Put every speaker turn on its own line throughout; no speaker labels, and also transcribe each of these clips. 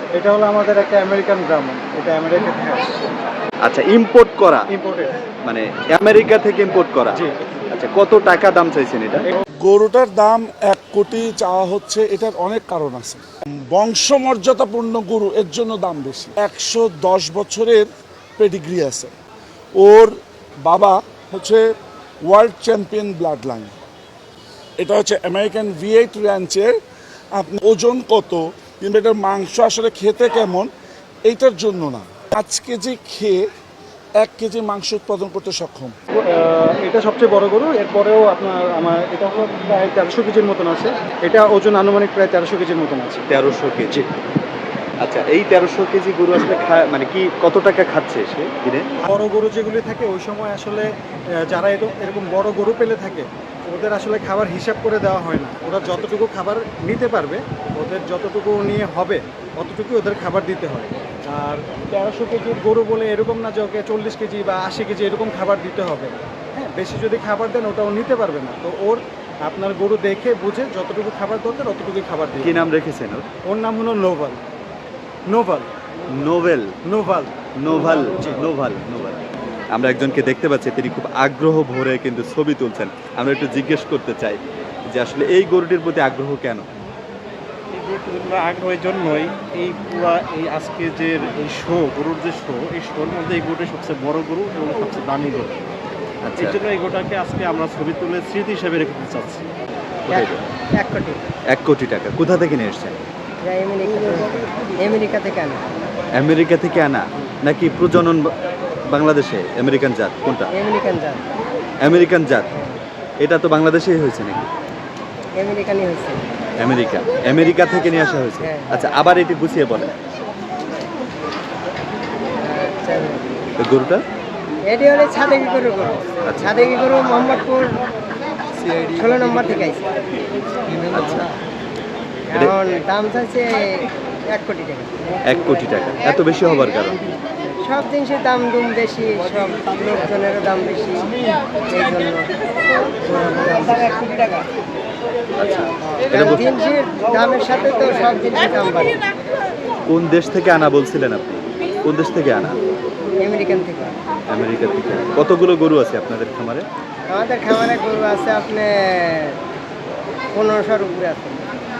এটা হলো আমাদের একটা আমেরিকান ব্রাহ্মণ, এটা আমেরিকা থেকে আসছে।
আচ্ছা, ইম্পোর্ট করা,
ইম্পোর্টেড।
মানে আমেরিকা থেকে ইম্পোর্ট করা।
জি।
আচ্ছা, কত টাকা দাম চাইছেন এটা?
গরুটার দাম 1 কোটি চাওয়া হচ্ছে। এটার অনেক কারণ আছে। বংশমর্যাদাপূর্ণ গরু, এর জন্য দাম বেশি। 110 বছরের পেডিগ্রি আছে। ওর বাবা হচ্ছে ওয়ার্ল্ড চ্যাম্পিয়ন ব্লাড লাইন। এটা হচ্ছে আমেরিকান V8 র্যাঞ্চের। আপনি ওজন কত কিংবা এটার মাংস আসলে খেতে কেমন, এইটার জন্য না। 5 কেজি খেয়ে 1 কেজি মাংস উৎপাদন করতে সক্ষম।
এটা সবচেয়ে বড় গরু। এরপরেও আমার এটা হলো প্রায় 1300 কেজির মতন আছে। এটা ওজন আনুমানিক প্রায় 1300 কেজির মতন আছে।
1300 কেজি। আচ্ছা, এই 1300 কেজি গরু আসলে মানে কি কত টাকা খাচ্ছে সে দিনে?
বড় গরু যেগুলি থাকে ওই সময় আসলে যারা এরকম বড় গরু পেলে থাকে, ওদের আসলে খাবার হিসাব করে দেওয়া হয় না। ওরা যতটুকু খাবার নিতে পারবে, ওদের যতটুকু নিয়ে হবে অতটুকুই ওদের খাবার দিতে হয়। আর 1300 কেজির গরু বলে এরকম না যে ওকে 40 কেজি বা 80 কেজি এরকম খাবার দিতে হবে। হ্যাঁ, বেশি যদি খাবার দেন ওটাও নিতে পারবে না। তো আপনার গরু দেখে বুঝে যতটুকু খাবার দরকার অতটুকুই খাবার দিন।
কি নাম রেখেছেন ওর?
ওর নাম হলো নোভাল। নোভাল।
নোভেল।
নোভাল।
নোভাল। নোভাল। নোভাল। আমরা একজনকে দেখতে পাচ্ছি, তিনি খুব আগ্রহ ভরে কিন্তু ছবি তুলছেন। আমরা একটু জিজ্ঞেস করতে চাই যে আসলে এই গরুটির প্রতি আগ্রহ কেন?
এই গরুটির আগ্রহের জন্যই এই পুরা এই আজকে যে এই গরুর যে এই শোর মধ্যে এই গরুটা সবচেয়ে বড় গরু এবং সবচেয়ে দামি গরু।
আচ্ছা,
এই জন্য এই গরুটাকে আজকে আমরা ছবি তুলে স্মৃতি হিসেবে রেখে দিতে চাচ্ছি।
কোথায় এটা?
1 কোটি।
1 কোটি টাকা কোথা থেকে নিয়ে এসেছেন?
আমেরিকা থেকে আনা।
আমেরিকা থেকে আনা নাকি প্রজনন বাংলাদেশে? আমেরিকান জাত কোনটা?
আমেরিকান জাত।
আমেরিকান জাত। এটা তো বাংলাদেশেই হয়েছে নাকি?
আমেরিকানই হয়েছে।
আমেরিকা থেকে নিয়ে আসা হয়েছে।
হ্যাঁ।
আচ্ছা, আবার এটি গুছিয়ে বলেন।
আচ্ছা,
এই গরুটা
এটি হলে ছাদেকি গরু।
আচ্ছা।
ছাদেকি গরু মোহাম্মদপুর 16 নম্বর থেকে আইছে।
আচ্ছা,
এখন দাম চাইছে 1 কোটি টাকা।
1 কোটি টাকা। এত বেশি হবার কারণ?
সব জিনিসের দাম বেশি, সব লোকজনেরও দাম বেশি, এই জন্য 1 কোটি টাকা।
আচ্ছা,
কারণ জিনিসের দামের সাথে তো সব জিনিসের দাম বাড়ে।
কোন দেশ থেকে আনা বলছিলেন আপনি? কোন দেশ থেকে আনা?
আমেরিকান থেকে।
আমেরিকা থেকে। কতগুলো গরু আছে আপনাদের খামারে?
আমাদের খামারে গরু আছে আপনার 1500-র উপরে আছে।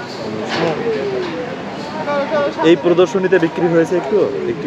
এই প্রদর্শনীতে বিক্রি হয়েছে একটুও?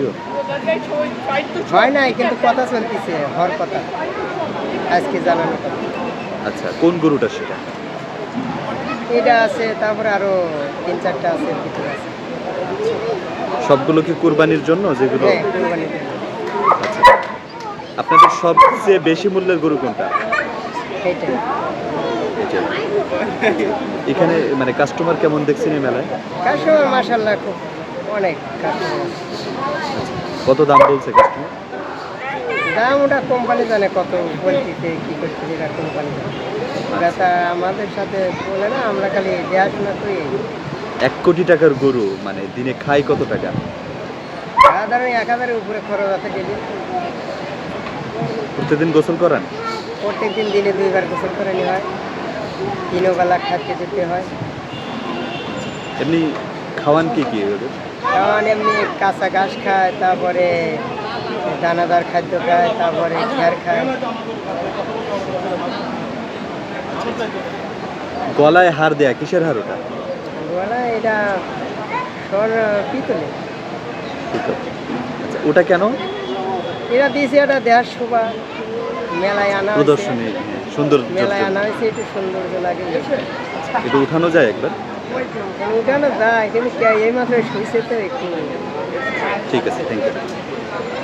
হয় নাই, কিন্তু কথা চলতেছে, হওয়ার কথা আজকে জানানো কথা।
আচ্ছা, কোন গরুটা সেটা?
এটা আছে, তারপরে আরো 3-4টা আছে, কিছু আছে।
সবগুলো কি কুরবানির জন্য যেগুলো?
হ্যাঁ, কুরবানির জন্য।
আচ্ছা, আপনাদের সবচেয়ে বেশি মূল্যের গরু কোনটা?
এইটা।
এটা। এখানে মানে কাস্টমার কেমন দেখছেন এই মেলায়?
কাস্টমার মাশাআল্লাহ খুব অনেক কাস্টমার।
কত দাম বলছে কাস্টমার?
দাম ওটা কোম্পানি জানে কত বলতেছে, কি করতেছে, এটা কোম্পানি জানে। ওরা তা আমাদের সাথে বলে না, আমরা খালি দেখাশোনা করি।
1 কোটি টাকার গরু মানে দিনে খায় কত টাকা?
সাধারণ 1000-এর উপরে খরচ আছে ডেলি।
প্রতিদিন গোসল করান?
প্রত্যেকদিন দিনে 2 বার গোসল করে নেওয়া হয়, 3 বেলা খাদ্য দিতে হয়।
এমনি খাওয়ান কি ওদের?
কারণ এমনি কাঁচা ঘাস খায়, তারপরে দানাদার খাদ্য খায়, তারপরে খ্যার খায়।
গলায় হার দেয়া, কিসের হার ওটা?
বলা এটা পিতলে।
আচ্ছা, ওটা কেন?
এরা দিয়েছে, এটা দেহার শোভা, মেলায় আনা হয়েছে।
প্রদর্শনী সুন্দর।
মেলায় আনা হয়েছে, একটু সৌন্দর্য লাগে।
এটা উঠানো যায় একবার?
উঠানো যায়, কিন্তু এই মাত্র শুয়েছে তো একটু।
ঠিক আছে, থ্যাংক ইউ।